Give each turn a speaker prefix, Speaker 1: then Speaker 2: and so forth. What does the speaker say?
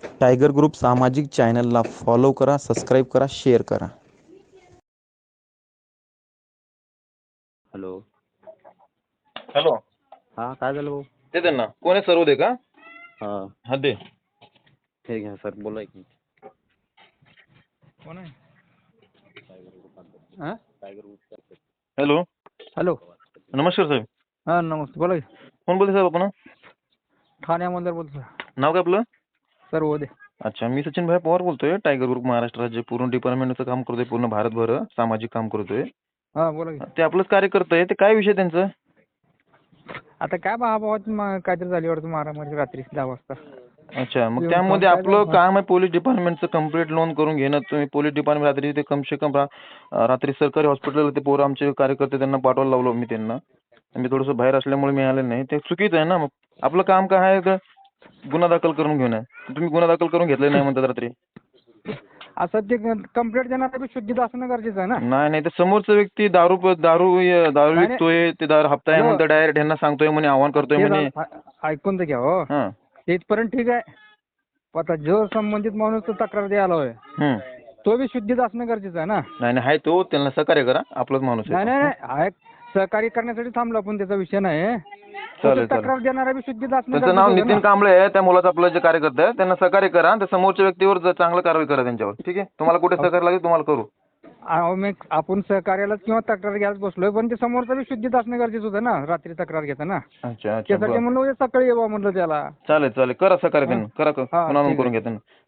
Speaker 1: Tiger group सामाजिक चॅनलला follow करा, सबस्क्राईब करा, शेअर करा.
Speaker 2: हॅलो.
Speaker 3: हॅलो.
Speaker 2: हा, काय झालं भाऊ?
Speaker 3: ते त्यांना कोण आहे सर्व दे का?
Speaker 2: हा,
Speaker 3: हा दे.
Speaker 2: हे घ्या सर, बोला एक मिनिट.
Speaker 4: कोण आहे? हा?
Speaker 3: हॅलो.
Speaker 4: हॅलो.
Speaker 3: नमस्कार साहेब.
Speaker 4: हा, नमस्ते. बोला की.
Speaker 3: कोण बोलते साहेब आपण?
Speaker 4: ठाण्यामधून बोलतो.
Speaker 3: नाव काय आपलं?
Speaker 4: सर उदय.
Speaker 3: अच्छा, मी सचिन भाई पवार बोलतोय. टायगर ग्रुप महाराष्ट्र राज्य पूर्ण डिपार्टमेंटचं काम करतोय, पूर्ण भारतभर सामाजिक काम करतोय.
Speaker 4: हा, बोला की.
Speaker 3: ते आपलंच कार्यकर्ता आहे. ते काय विषय त्यांचं?
Speaker 4: आता काय भावाभावात काहीतरी झाली वाटतं मारामारी रात्री 10 वाजता.
Speaker 3: अच्छा, मग
Speaker 4: येऊन
Speaker 3: त्यामध्ये
Speaker 4: काय
Speaker 3: आपलं
Speaker 4: झालं?
Speaker 3: काम आहे पोलीस डिपार्टमेंटचं कंप्लीट नोंद करून घेणं. तुम्ही पोलीस डिपार्टमेंट रात्री ते कम से कम रात्री सरकारी हॉस्पिटल ते पोरं आमचे कार्यकर्ते त्यांना पाठवायला लावलो मी त्यांना. मी थोडंसं बाहेर असल्यामुळे मी आले नाही. ते चुकीचं आहे ना. मग आपलं काम काय आहे तर गुन्हा दाखल करून घेणं. तुम्ही गुन्हा दाखल करून घेतले नाही म्हणतात रात्री.
Speaker 4: असं ते कंप्लेंट देणार बी शुद्धीत असणं गरजेचं आहे ना.
Speaker 3: नाही ते समोरचा व्यक्ती दारू
Speaker 4: नाही.
Speaker 3: विकतोय, ते दारू हप्ता आहे
Speaker 4: हॅलो.
Speaker 3: म्हणतो डायरेक्ट ह्यांना सांगतोय म्हणे, आव्हान करतोय
Speaker 4: ते
Speaker 3: म्हणे.
Speaker 4: ऐकून तर घ्या हो.
Speaker 3: हां.
Speaker 4: तिथपर्यंत ठीक आहे. पण आता जो संबंधित माणूस तो तक्रार द्यायला होय, तो बी शुद्धीत असणं गरजेचं आहे ना.
Speaker 3: नाही आहे तो, त्यांना सहकार्य करा. आपलाच माणूस आहे
Speaker 4: नाही
Speaker 3: तो.
Speaker 4: नाही नाही, सहकार्य करण्यासाठी थांबलो आपण, त्याचा विषय नाही.
Speaker 3: चालेल.
Speaker 4: तक्रार देणारा बी शुद्धीत असणं
Speaker 3: त्यांचं नाव
Speaker 4: गरजेचं आहे
Speaker 3: नितीन
Speaker 4: ना.
Speaker 3: कांबळे आहे. त्या मुलाचं आपलं जे कार्यकर्ता आहे त्यांना सहकार्य करा. आणि त्या समोरच्या व्यक्तीवर चांगलं कारवाई करा त्यांच्यावर. ठीक आहे. तुम्हाला कुठे सहकार्य लागेल तुम्हाला करू.
Speaker 4: आपण सहकार्यालाच किंवा तक्रार घ्यायलाच बसलोय, पण ते समोरचं बी शुद्धीत असणं गरजेचं होतं ना रात्री तक्रार घेताना.
Speaker 3: अच्छा
Speaker 4: त्यासाठी
Speaker 3: बरं.
Speaker 4: म्हणलं सकाळी येवा म्हणलं त्याला.
Speaker 3: चालेल करा सहकार्य त्यांना. करा
Speaker 4: हा,
Speaker 3: पुन्हा नोंद
Speaker 4: ठीक
Speaker 3: करून
Speaker 4: आहे.
Speaker 3: घ्या त्यांना.